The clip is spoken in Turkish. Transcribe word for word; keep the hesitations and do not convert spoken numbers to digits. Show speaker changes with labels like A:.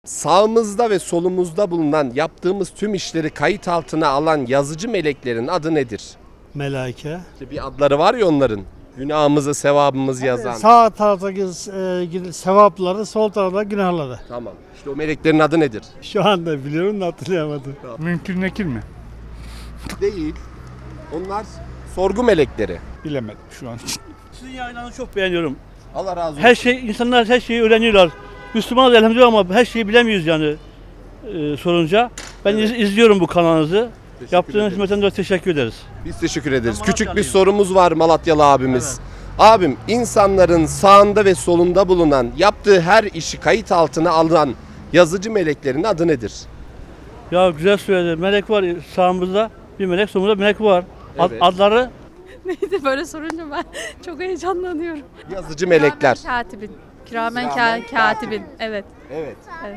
A: Sağımızda ve solumuzda bulunan yaptığımız tüm işleri kayıt altına alan yazıcı meleklerin adı nedir?
B: Melaike.
A: İşte bir adları var ya onların. Günahımızı, sevabımızı yazan.
B: Sağ taraftaki e, sevapları, sol tarafta günahları.
A: Tamam. İşte o meleklerin adı nedir?
B: Şu anda biliyorum da hatırlayamadım.
C: Mümkün nekil mi?
A: Değil. Onlar sorgu melekleri.
C: Bilemedim şu an.
D: Sizin yayınlarınızı çok beğeniyorum.
A: Allah razı olsun.
D: Her şey, insanlar her şeyi öğreniyorlar. Müslümanız elhamdülillah ama her şeyi bilemiyoruz yani e, sorunca. Ben
A: Evet.
D: iz- izliyorum bu kanalınızı.
A: Teşekkür
D: Yaptığınız
A: ederiz.
D: hizmetten dolayı teşekkür ederiz.
A: Biz teşekkür ederiz.
D: Ben
A: Küçük bir
D: Malatyalıyım.
A: sorumuz var Malatyalı abimiz. Abim, insanların sağında ve solunda bulunan yaptığı her işi kayıt altına alan yazıcı meleklerin adı nedir?
D: Ya güzel söyledi. Melek var sağımızda, bir melek solumuzda bir melek var. Ad-
A: Evet.
D: adları
E: Neydi böyle sorunca ben çok heyecanlanıyorum.
A: Yazıcı melekler.
E: Kiramen katibin. Kiramen
A: Kiramen
E: ka- katibin. Evet.
A: Evet.